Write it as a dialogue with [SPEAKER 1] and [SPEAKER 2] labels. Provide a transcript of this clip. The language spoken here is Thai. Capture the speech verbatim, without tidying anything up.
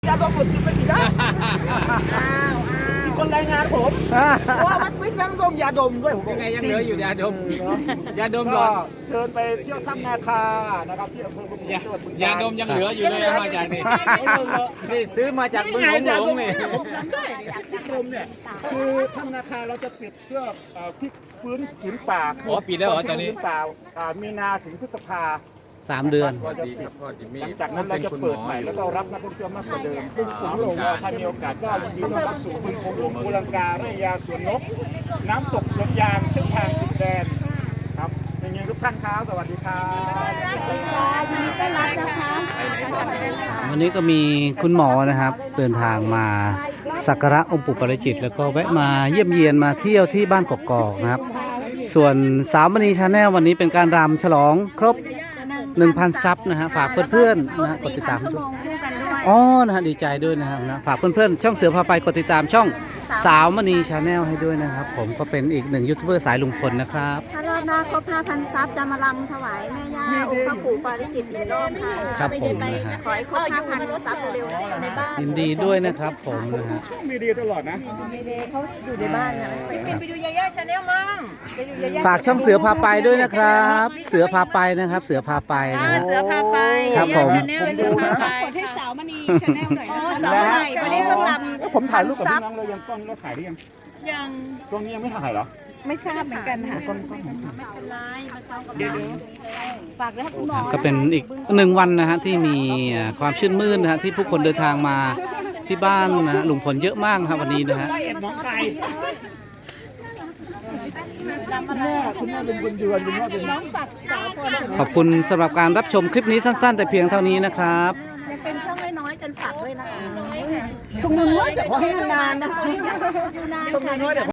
[SPEAKER 1] ยาดมหมดกินไม่กี่ได้มีคนรายงานผมว่าวัดวิทย์ยังดมยาดมด้วยผม
[SPEAKER 2] ยังไงยังเหลืออยู่ยาดมยาดมหล
[SPEAKER 1] ก็
[SPEAKER 2] อด
[SPEAKER 1] เชิญไปเที่ยวถ้ำนาคานะครับที่อำเภอบุญ
[SPEAKER 2] ยา
[SPEAKER 1] จังหวัดบึง
[SPEAKER 2] ยาดมยังเหลืออยู่เลยเอามาจากนี่นี่ซื้อมาจากเมืองหลงหลงนี่
[SPEAKER 1] ผมจำได้เนี่ยที่ดมเนี่ยคือถ้ำนาคาเราจะปิดเพื่อพลิกฟื้นผืนป่า
[SPEAKER 2] อ๋อปิดแล้วเหรอตอนนี้
[SPEAKER 1] ผืป่าอ่ามีนาถึงพฤษภา
[SPEAKER 3] สามเดือน
[SPEAKER 1] เราจะปิดหลังจากนั้นเราจะเปิดใหม่แล้วก็รับนักท่องเที่ยวมากกว่าเดิมซึ่งผมหลงว่าถ้ามีโอกาสก็ยินดีต้อนรับสู่บึงโขงหลงภูลังกาไร่ยาสวนนก น้ำตกสวนยางเส้นทางสิบแดนครับเป็นยังทุกท่านครับสวัสดีครับ
[SPEAKER 4] ยินดีต้อนรับนะคะ
[SPEAKER 3] วันนี้ก็มีคุณหมอนะครับเดินทางมาสักการะองค์ปู่ปาริจิตแล้วก็แวะมาเยี่ยมเยียนมาเที่ยวที่บ้านกกอกนะครับ ส่วนสาวมณีชาแนลวันนี้เป็นการรำฉลองครบ หนึ่งพัน ซับนะฮะฝากเพื่อนๆนะฮะกดติดตาม
[SPEAKER 4] ชั่วโมงคู่กันด้วย
[SPEAKER 3] อ๋อนะฮะดีใจด้วยนะครับนะฝากเพื่อนๆช่องเสือพาไปกดติดตามช่องสาวมณีชาแนลให้ด้วยนะครับ ผมก็เป็นอีกหนึ่งยูทูบเบอร์สายลุงพลนะครับ
[SPEAKER 4] ถ้ารอบหน้าครบ ห้าพัน ซับจะมาลำถวายแม่ย่าองค์พระปู่ปาริจิตอีกรอบค่ะ
[SPEAKER 3] ครับผมนะฮะ
[SPEAKER 4] ขอให้ครบ ห้าพัน ซับเร็วๆในบ้าน
[SPEAKER 3] ยินดีด้วยนะครับผมนะฮะ
[SPEAKER 1] มีดีตลอดนะ
[SPEAKER 4] เขาอยู่ในบ้านนะไปดูยาย่าชาแนลมั่งไปดูยาย่า
[SPEAKER 3] ฝากช่องเสือพาไปด้วยนะครับ เสือพาไปนะครับ เสือพาไปนะฮะ
[SPEAKER 4] เสือพาไป
[SPEAKER 3] ครับผม
[SPEAKER 4] ชาแนลเสือพาไปกดให้สาวมณีชาแนลหน่อยนะคะสาวใหม่วันนี้เพิ่งลำ
[SPEAKER 1] ผมถ่ายรูปกับพี่น้องเรายังต้นเราถ่ายได้ยัง
[SPEAKER 4] ยัง
[SPEAKER 1] ช่วงนี้ยังไม่ถ่ายเหรอ
[SPEAKER 4] ไม่ทราบเหมือนกันค่ะไม่เป็นไรมาเช้ากับเราฝากด้วยคุณหมอ
[SPEAKER 3] ก็เป็นอีกหนึ่งวันนะฮะที่มีอ่าความชื่นมื่นนะฮะที่ผู้คนเดินทางมาที่บ้านนะฮะลุงพลเยอะมากนะครับวันนี้นะฮะ
[SPEAKER 1] คุณแม่คุณแม่เป็นคนเดือนคุณแม่เป็น
[SPEAKER 4] น้องฝากสาวพรชม
[SPEAKER 3] ขอบคุณสำหรับการรับชมคลิปนี้สั้นๆ แต่เพียงเท่านี้นะครับ
[SPEAKER 4] ยังเป็นช่องน้อยๆกันฝากด้วยนะคะ
[SPEAKER 1] ช่วงน้อยแต่ขอให้นานๆนะ
[SPEAKER 4] อยู่นาน
[SPEAKER 1] ช่วงน้อยแต่